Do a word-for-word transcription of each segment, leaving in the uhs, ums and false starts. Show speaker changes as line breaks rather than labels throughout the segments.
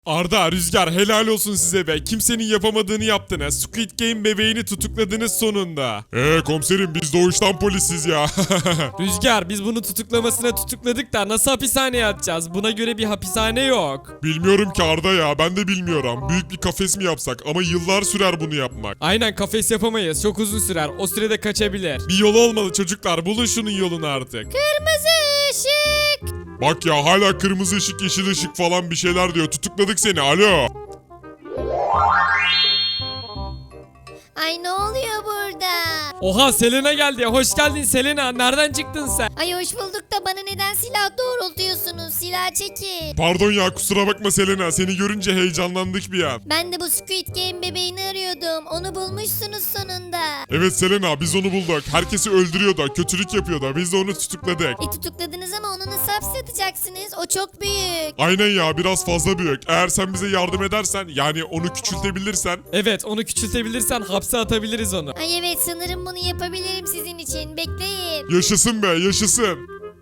Arda, Rüzgar helal olsun size be. Kimsenin yapamadığını yaptınız. Squid Game bebeğini tutukladınız sonunda. Eee komiserim biz doğuştan polisiz ya.
Rüzgar biz bunu tutuklamasına tutukladık da nasıl hapishaneye atacağız? Buna göre bir hapishane yok.
Bilmiyorum ki Arda ya, ben de bilmiyorum. Büyük bir kafes mi yapsak, ama yıllar sürer bunu yapmak.
Aynen kafes yapamayız. Çok uzun sürer. O sürede kaçabilir.
Bir yolu olmalı çocuklar, bulun şunun yolunu artık.
Kırmızı ışık.
Bak ya, hala kırmızı ışık yeşil ışık falan bir şeyler diyor. Tutukladık seni, alo.
Ay ne oluyor burada?
Oha Selena geldi. Hoş geldin Selena. Nereden çıktın sen?
Ay hoş bulduk da bana neden silah doğrultuyorsunuz? Silah çekin.
Pardon ya, kusura bakma Selena, seni görünce heyecanlandık bir an.
Ben de bu Squid Game bebeğini arıyordum. Onu bulmuşsunuz sonunda.
Evet Selena, biz onu bulduk. Herkesi öldürüyor da, kötülük yapıyor da, biz de onu tutukladık.
E tutukladınız ama onu nasıl hapse atacaksınız? O çok büyük.
Aynen ya, biraz fazla büyük. Eğer sen bize yardım edersen, yani onu küçültebilirsen.
Evet onu küçültebilirsen hapse atabiliriz onu.
Ay evet sanırım bunu yapabilirim sizin için. Bekleyin.
Yaşasın be, yaşasın.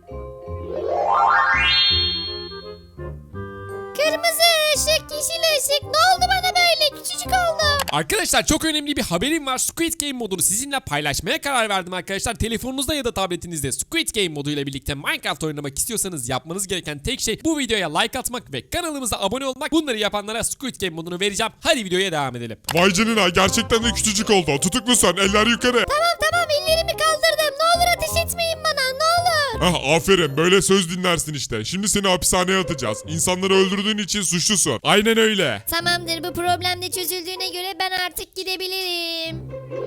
Kırmızı ışık, yeşil ışık. Ne oldu bana böyle? Küçücük oldum.
Arkadaşlar çok önemli bir haberim var. Squid Game modunu sizinle paylaşmaya karar verdim arkadaşlar. Telefonunuzda ya da tabletinizde Squid Game moduyla birlikte Minecraft oynamak istiyorsanız yapmanız gereken tek şey bu videoya like atmak ve kanalımıza abone olmak. Bunları yapanlara Squid Game modunu vereceğim. Hadi videoya devam edelim.
Vay canına, gerçekten de küçücük oldu. Tutuklusun, eller yukarı.
Tamam tamam ellerimi kaldırdım. Ne olur ateş etmeyin bana ne olur.
Ah aferin, böyle söz dinlersin işte. Şimdi seni hapishaneye atacağız. İnsanları öldürdüğün için suçlusun. Aynen öyle.
Tamamdır bu problem de çözüldüğüne göre ben artık gidebilirim.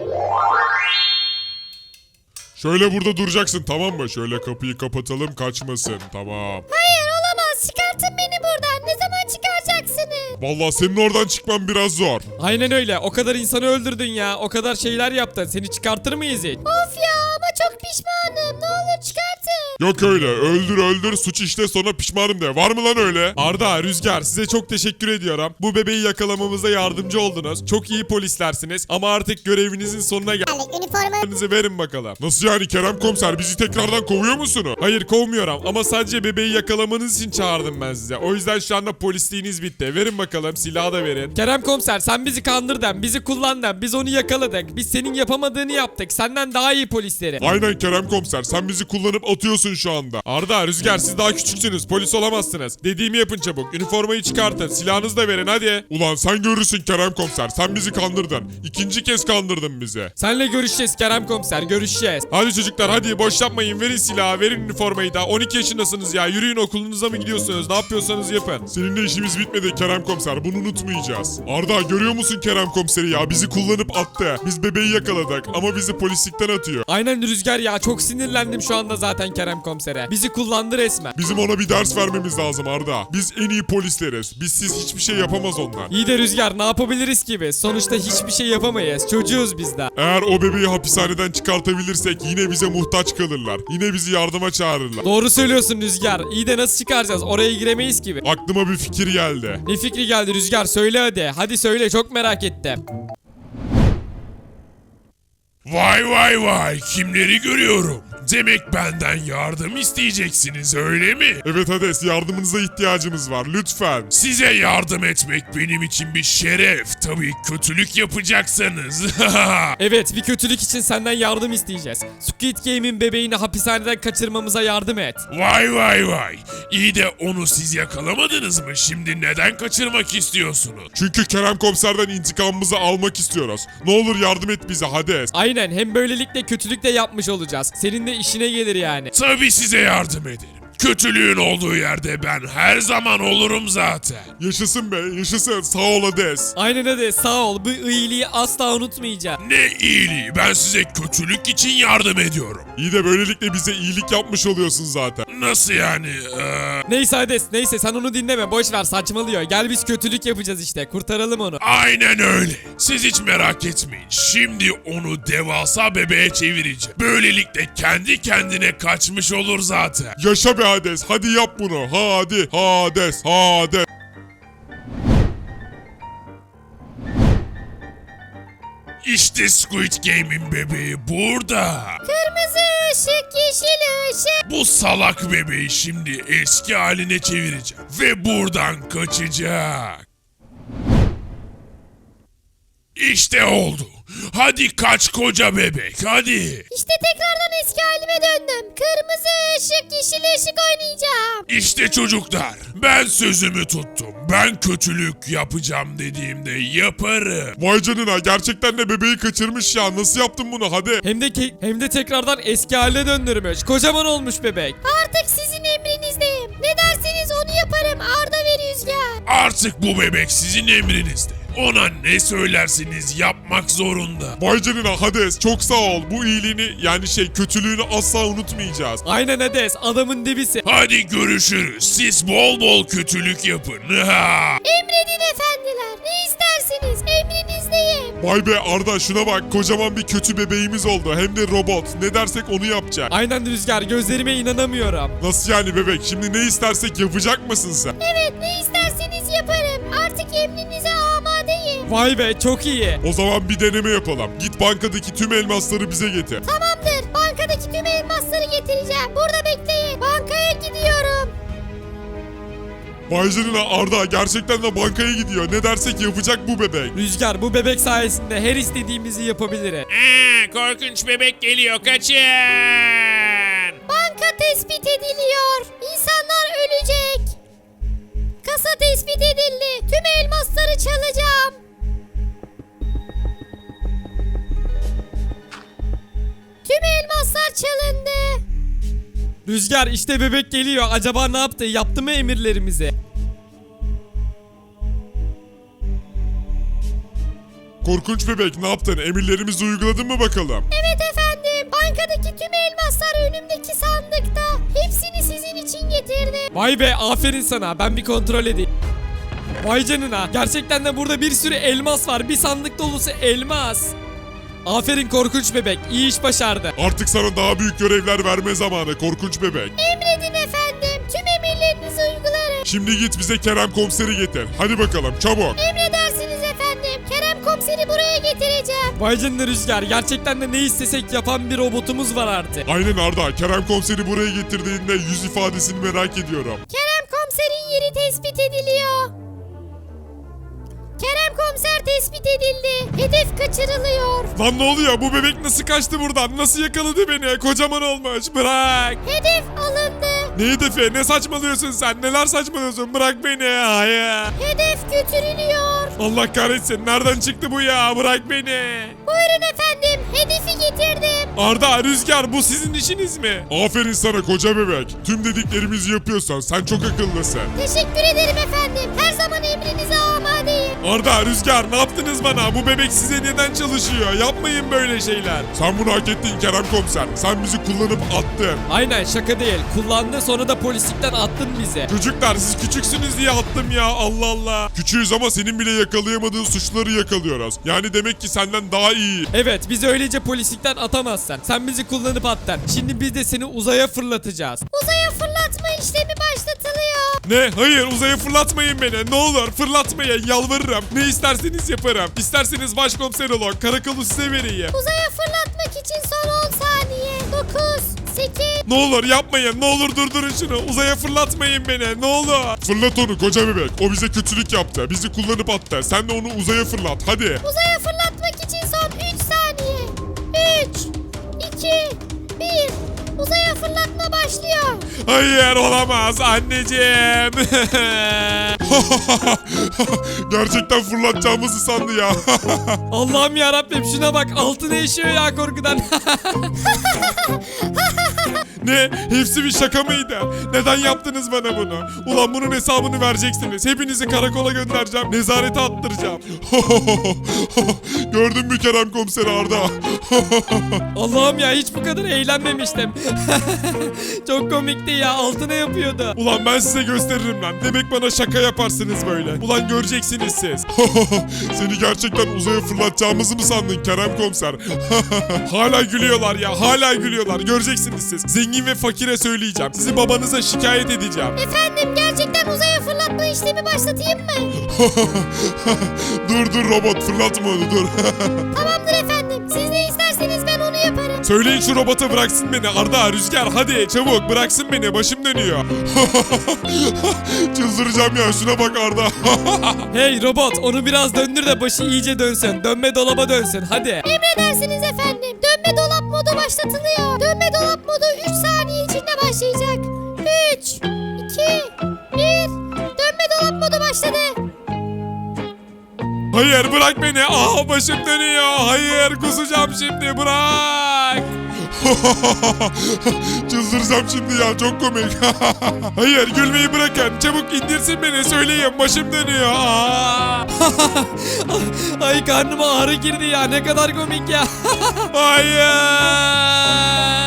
Şöyle burada duracaksın, tamam mı? Şöyle kapıyı kapatalım, kaçmasın, tamam.
Hayır olamaz çıkartın beni buradan. Ne zaman çıkaracaksınız?
Vallahi senin oradan çıkman biraz zor.
Aynen öyle. O kadar insanı öldürdün ya. O kadar şeyler yaptın. Seni çıkartır mıyız hiç?
Of ya ama çok pişmanım. Ne olur çıkartın.
Yok öyle, öldür öldür, suç işte, sonra pişmanım de. Var mı lan öyle?
Arda, Rüzgar size çok teşekkür ediyorum. Bu bebeği yakalamamıza yardımcı oldunuz. Çok iyi polislersiniz. Ama artık görevinizin sonuna geldik.
Üniforma.
Verin bakalım. Nasıl yani Kerem komiser, bizi tekrardan kovuyor musunuz?
Hayır kovmuyorum ama sadece bebeği yakalamanız için çağırdım ben size. O yüzden şu anda polisliğiniz bitti. Verin bakalım, silahı da verin. Kerem komiser sen bizi kandırdın, bizi kullandın, biz onu yakaladık. Biz senin yapamadığını yaptık. Senden daha iyi polisleri.
Aynen Kerem komiser, sen bizi kullanıp atıyorsun şu anda.
Arda, Rüzgar siz daha küçüksünüz. Polis olamazsınız. Dediğimi yapın çabuk. Üniformayı çıkartın. Silahınızı da verin hadi.
Ulan sen görürsün Kerem komiser, sen bizi kandırdın. İkinci kez kandırdın bizi.
Senle görüşeceğiz Kerem komiser. Görüşeceğiz.
Hadi çocuklar, hadi boş yapmayın, verin silahı, verin üniformayı da. on iki yaşındasınız ya, yürüyün, okulunuza mı gidiyorsunuz, ne yapıyorsanız yapın. Seninle işimiz bitmedi Kerem komiser, bunu unutmayacağız. Arda, görüyor musun Kerem komiseri ya, bizi kullanıp attı. Biz bebeği yakaladık ama bizi polislikten atıyor.
Aynen Rüzgar ya, çok sinirlendim şu anda zaten Kerem komisere. Bizi kullandı resmen.
Bizim ona bir ders vermemiz lazım Arda. Biz en iyi polisleriz. Bizsiz hiçbir şey yapamaz onlar.
İyi de Rüzgar ne yapabiliriz ki biz? Sonuçta hiçbir şey yapamayız. Çocuğuz biz de.
Eğer o bebeği hapishaneden çıkartabilirsek yine bize muhtaç kalırlar. Yine bizi yardıma çağırırlar.
Doğru söylüyorsun Rüzgar. İyi de nasıl çıkaracağız? Oraya giremeyiz gibi.
Aklıma bir fikir geldi.
Ne fikri geldi Rüzgar? Söyle hadi. Hadi söyle, çok merak ettim.
Vay vay vay, kimleri görüyorum. Demek benden yardım isteyeceksiniz öyle mi?
Evet Hades, yardımınıza ihtiyacımız var lütfen.
Size yardım etmek benim için bir şeref. Tabii kötülük yapacaksanız.
Evet, bir kötülük için senden yardım isteyeceğiz. Squid Game'in bebeğini hapishaneden kaçırmamıza yardım et.
Vay vay vay. İyi de onu siz yakalamadınız mı? Şimdi neden kaçırmak istiyorsunuz?
Çünkü Kerem komiserden intikamımızı almak istiyoruz. Ne olur yardım et bize Hades.
Aynen, hem böylelikle kötülük de yapmış olacağız. Senin de işine gelir yani.
Tabii size yardım ederim. Kötülüğün olduğu yerde ben her zaman olurum zaten.
Yaşasın be, yaşasın, sağ ol Hades.
Aynen hadi, sağ ol. Bu iyiliği asla unutmayacağım.
Ne iyiliği, ben size kötülük için yardım ediyorum.
İyi de böylelikle bize iyilik yapmış oluyorsun zaten.
Nasıl yani? Ee,
Neyse Hades, neyse sen onu dinleme, boş ver, saçmalıyor. Gel biz kötülük yapacağız işte, kurtaralım onu.
Aynen öyle. Siz hiç merak etmeyin. Şimdi onu devasa bebeğe çevireceğim. Böylelikle kendi kendine kaçmış olur zaten.
Yaşa be Hades, hadi yap bunu. Hadi Hades, Hades.
İşte Squid Game'in bebeği burada.
Kırmızı ışık, yeşil ışık.
Bu salak bebeği şimdi eski haline çevireceğim. Ve buradan kaçacak. İşte oldu. Hadi kaç koca bebek hadi.
İşte tekrardan eski halime döndüm. Kırmızı ışık, yeşil ışık oynayacağım.
İşte çocuklar, ben sözümü tuttum. Ben kötülük yapacağım dediğimde yaparım.
Vay canına, gerçekten de bebeği kaçırmış ya. Nasıl yaptın bunu, hadi.
Hem de ke- hem de tekrardan eski haline döndürmüş. Kocaman olmuş bebek.
Artık sizin emrinizdeyim. Ne derseniz onu yaparım Arda ve Rüzgar.
Artık bu bebek sizin emrinizde. Ona ne söylersiniz yapmak zorunda.
Vay canına Hades, çok sağ ol. Bu iyiliğini, yani şey kötülüğünü asla unutmayacağız.
Aynen Hades, adamın dibisi.
Hadi görüşürüz. Siz bol bol kötülük yapın. Ha!
Emredin efendiler. Ne isterseniz emrinizdeyim.
Vay be Arda, şuna bak, kocaman bir kötü bebeğimiz oldu. Hem de robot. Ne dersek onu yapacak.
Aynen Rüzgar, gözlerime inanamıyorum.
Nasıl yani bebek? Şimdi ne istersek yapacak mısın sen?
Evet, ne isterseniz yaparım. Artık emrinize amadeyim.
Vay be, çok iyi.
O zaman bir deneme yapalım. Git bankadaki tüm elmasları bize getir.
Tamamdır. Bankadaki tüm elmasları getireceğim. Burada bekleyin. Bankaya gidiyorum.
Vay canına Arda, gerçekten de bankaya gidiyor. Ne dersek yapacak bu bebek.
Rüzgar, bu bebek sayesinde her istediğimizi yapabiliriz.
Aa, korkunç bebek geliyor, kaçın.
Banka tespit ediliyor. İnsanlar ölecek. Kasa tespit edildi. Tüm elmasları çalacağım. Tüm elmaslar çalındı.
Rüzgar, işte bebek geliyor. Acaba ne yaptı? Yaptı mı emirlerimizi?
Korkunç bebek, ne yaptın? Emirlerimizi uyguladın mı bakalım?
Evet efendim. Bankadaki tüm elmaslar önümdeki sandıkta. Hepsini sizin için getirdim.
Vay be, aferin sana. Ben bir kontrol edeyim. Vay canına. Gerçekten de burada bir sürü elmas var. Bir sandık dolusu elmas. Aferin korkunç bebek. İyi iş başardı.
Artık sana daha büyük görevler verme zamanı korkunç bebek.
Emredin efendim. Tüm emirlerinizi uygularım.
Şimdi git bize Kerem komiseri getir. Hadi bakalım çabuk.
Emredersiniz efendim. Kerem komiseri buraya getireceğim.
Vay canına Rüzgar. Gerçekten de ne istesek yapan bir robotumuz var artık.
Aynen Arda, Kerem komiseri buraya getirdiğinde yüz ifadesini merak ediyorum.
Kerem komiserin yeri tespit ediliyor. Kerem komiser tespit edildi. Hedef kaçırılıyor.
Lan ne oluyor? Bu bebek nasıl kaçtı buradan? Nasıl yakaladı beni? Kocaman olmuş. Bırak.
Hedef alındı.
Ne hedefi? Ne saçmalıyorsun sen? Neler saçmalıyorsun? Bırak beni. Hayır.
Hedef götürülüyor.
Allah kahretsin. Nereden çıktı bu ya? Bırak beni.
Buyurun efendim. Hedefi getirdim.
Arda, Rüzgar, bu sizin işiniz mi? Aferin sana koca bebek. Tüm dediklerimizi yapıyorsan sen çok akıllısın.
Teşekkür ederim efendim. Her zaman emrinize amadeyim.
Arda, Rüzgar, ne yaptınız bana? Bu bebek size neden çalışıyor? Yapmayın böyle şeyler. Sen bunu hak ettin Kerem komiser. Sen bizi kullanıp attın.
Aynen, şaka değil. Kullandı, sonra da polislikten attın bizi.
Çocuklar, siz küçüksünüz diye attım ya, Allah Allah. Küçüğüz ama senin bile yakalayamadığın suçları yakalıyoruz. Yani demek ki senden daha iyi.
Evet, bizi öylece polislikten atamazsın. Sen bizi kullanıp attın. Şimdi biz de seni uzaya fırlatacağız.
Uzaya fırlatma işlemi başlatılıyor.
Ne? Hayır, uzaya fırlatmayın beni. Ne olur fırlatmayın, yalvarırım. Ne isterseniz yaparım. İsterseniz başkomiser olun. Karakolu size vereyim.
Uzaya fırlatmak için son on saniye. dokuz, sekiz.
Ne olur yapmayın. Ne olur durdurun şunu. Uzaya fırlatmayın beni. Ne olur. Fırlat onu koca bebek. O bize kötülük yaptı. Bizi kullanıp attı. Sen de onu uzaya fırlat. Hadi.
Uzaya fırlatmak için son üç saniye. üç, iki, bir. Uzaya fırlatma başlıyor.
Hayır, olamaz anneciğim. Gerçekten fırlatacağımızı sandı ya.
Allah'ım ya Rabbim, şuna bak, altına işiyor ya korkudan.
Ne? Hepsi bir şaka mıydı? Neden yaptınız bana bunu? Ulan bunun hesabını vereceksiniz. Hepinizi karakola göndereceğim. Nezarete attıracağım. Gördün mü Kerem komiser Arda?
Allah'ım ya, hiç bu kadar eğlenmemiştim. Çok komikti ya, altına yapıyordu.
Ulan ben size gösteririm lan. Demek bana şaka yaparsınız böyle. Ulan göreceksiniz siz. Seni gerçekten uzaya fırlatacağımızı mı sandın Kerem komiser? Hala gülüyorlar ya. Hala gülüyorlar. Göreceksiniz siz. Zengin
zengin ve fakire söyleyeceğim. Sizi babanıza şikayet edeceğim.
Efendim gerçekten uzaya fırlatma işlemi başlatayım mı?
dur dur robot fırlatma onu dur.
Tamamdır efendim. Siz ne isterseniz ben onu yaparım.
Söyleyin şu robota bıraksın beni. Arda, Rüzgar hadi çabuk bıraksın beni. Başım dönüyor.
Çıldıracağım ya şuna bak Arda.
Hey robot, onu biraz döndür de başı iyice dönsün. Dönme dolaba dönsün hadi.
Emredersiniz efendim. Dönme dolap modu başlatılıyor. Dönme dolap modu üç saniye içinde başlayacak. üç, iki, bir. Dönme dolap modu başladı.
Hayır bırak beni. Aa başım dönüyor. Hayır kusacağım şimdi, bırak.
Çıldıracağım şimdi ya çok komik.
Hayır gülmeyi bırakın. Çabuk indirsin beni, söyleyin başım dönüyor. Aa! Ay karnıma ağrı girdi ya, ne kadar komik ya. Hayır.